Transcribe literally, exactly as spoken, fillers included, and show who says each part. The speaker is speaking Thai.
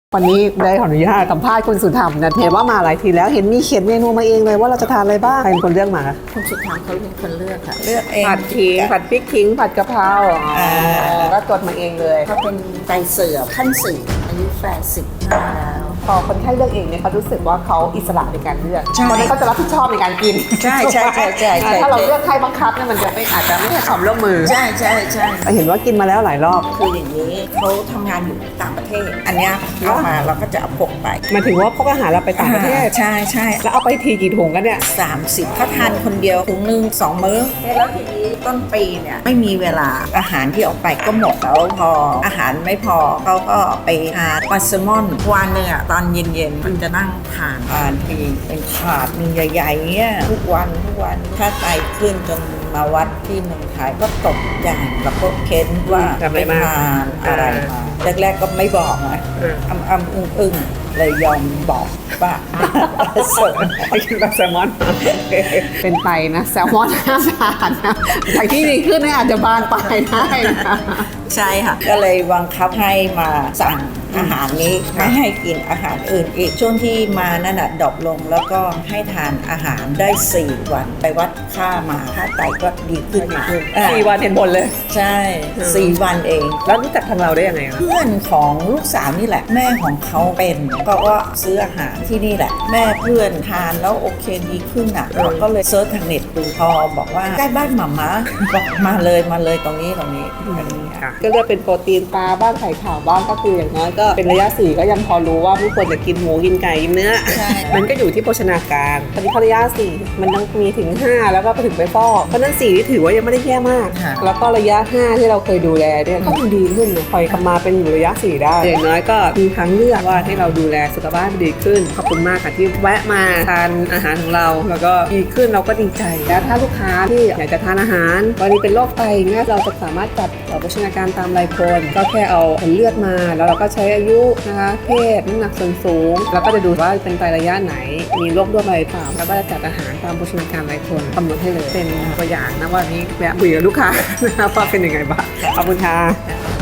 Speaker 1: วันนี้ได้ขออนุญาตสัมภาษณ์คุณสุธรรมนะเห็นว่ามาหลายทีแล้วเห็นมีเขียนเมนูมาเองเลยว่าเราจะทานอะไรบ้างใครเป็นคนเลือกมาคะ
Speaker 2: คุณสุธรรมเขาเป็นคนเลือกค่ะ
Speaker 3: เลือกเอง
Speaker 1: ผัดขิงผัดพริกขิงผัดกะเพราอ๋อก็จดมาเองเลย
Speaker 2: เขาเป็นไตเสื่อมขั้นสี่อายุแปดสิบห้าแล้ว
Speaker 1: พอคนไข้เลือกเองเนี่ยเขารู้สึกว่าเขาอิสระในการเลือก
Speaker 3: ใช่
Speaker 1: เพราะนั้นเขาจะรับผิดชอบในการกิน
Speaker 3: ใช่ใช่ใช่ใช่ใช่
Speaker 1: ถ้าเราเลือกให้บังคับเนี่ยมันจะไม่อาจจะไม่ให้ความร่วมมือ
Speaker 3: ใช่ใช่ใช่
Speaker 1: เห็นว่ากินมาแล้วหลายรอบ
Speaker 3: คืออย่างนี้เขาทำงานอยู่ต่างประเทศ อันเนี้ยเอามาเราก็จะเอาพกไป
Speaker 1: หมายถึงว่าพกอาหารเราไปต่างประเทศ
Speaker 3: ใช่ใช่
Speaker 1: แล้วเอาไปทีกี่ถุงกันเนี่ย
Speaker 3: สามสิบถ้าทานคนเดียวถุงหนึ่งสองมื้อแล้วทีนี้ต้นปีเนี่ยไม่มีเวลาอาหารที่ออกไปก็หมดแล้วพออาหารไม่พอเขาก็ไปหาปลาแซลมอนวันหนึ่งอะตอนเย็นๆมันจะนั่งทานทานทีเป็นถาดหนึ่งใหญ่ๆเนี่ยทุกวันทุกวันถ้าไตขึ้นจนมาวัดที่เมืองไทยก็ตกใจแล้วก็เค้นว่า
Speaker 1: ทำอะไร
Speaker 3: ไป
Speaker 1: มา
Speaker 3: ทานอะไรมาแรกๆก็ไม่บอกนะ
Speaker 1: เออ
Speaker 3: อ้ำอ้ำอึ้งอึ้งเลยยอมบอกว่าเสริม
Speaker 1: ไปกินปลาแซลมอน เป็นไปนะแซลมอนห้ามทานนะจากที่ดีขึ้นเนี่ยอาจจะบานปลายได้นะ
Speaker 3: ใช่ค่ะ ก็เลยบังคับให้มาสั่งอาหารนี้ไม่ให้กินอาหารอื่นอีกช่วงที่มานั่นน่ะดรอปลงแล้วก็ให้ทานอาหารได้สี่วันไปวัดค่ามาค่าไตก็ดีขึ้นมาอ่า
Speaker 1: สี่วันเห็นผลเลย
Speaker 3: ใช่สี่วันเอง
Speaker 1: แล้วรู้จักทางเราได้ยังไงคะ
Speaker 3: เพื่อนของลูกสาวนี่แหละ แม่ของเขาเป็นก็ก็ซื้ออาหารที่นี่แหละ แม่เพื่อนทานแล้วโอเคดีขึ้นอ่ะเราก็เลยเซิร์ชทางเน็ตดูพอบอกว่าใกล้บ้านหม่าม้าบอกมาเลยมาเลยตรงนี้ตรงนี้ตรงนี้
Speaker 1: ก็เลือกเป็นโปรตีนปลาบ้างไข่ขาวบ้างก็คืออย่างน้อยก็เป็นระยะสี่ก็ยังพอรู้ว่าไม่ควรจะกินหมูกินไก่กินเนื้อ
Speaker 3: ใช่
Speaker 1: มันก็อยู่ที่โภชนาการตอนนี้พอระยะสี่มันต้องมีถึงห้าแล้วก็ไปถึงไปฟอกเพราะฉะนั้นสี่ที่ถือว่ายังไม่ได้แย่มาก
Speaker 3: ค่ะ
Speaker 1: แล้วก็ระยะห้าที่เราเคยดูแลเนี่ยก็ยังดีขึ้นนะคอยกลับมาเป็นอยู่ระยะสี่ได้อย่างน้อยก็มีทางเลือกว่าให้เราดูแลสุขภาพดีขึ้นขอบคุณมากค่ะที่แวะมาทานอาหารของเราแล้วก็ดีขึ้นเราก็ดีใจแล้วถ้าลูกค้าที่อยากจะทานอาหารวันนี้เป็นโรคไตเนี่ยเราจะสามารถจัดโภชนาการตามรายคนก็แค่เอาผลเลือดมาแล้วเราก็ใช้อายุนะคะเพศน้ำหนักส่วนสูงแล้วก็จะดูว่าเป็นไตระยะไหนมีโรคด้วยอะไรเปล่าแล้วก็จะจัดอาหารตามโภชนาการรายคนกำหนดให้เลยเป็นตัวอย่างนะว่านี้แวะคุยกับลูกค้าว่าเป็นยังไงบ้างขอบคุณค่ะ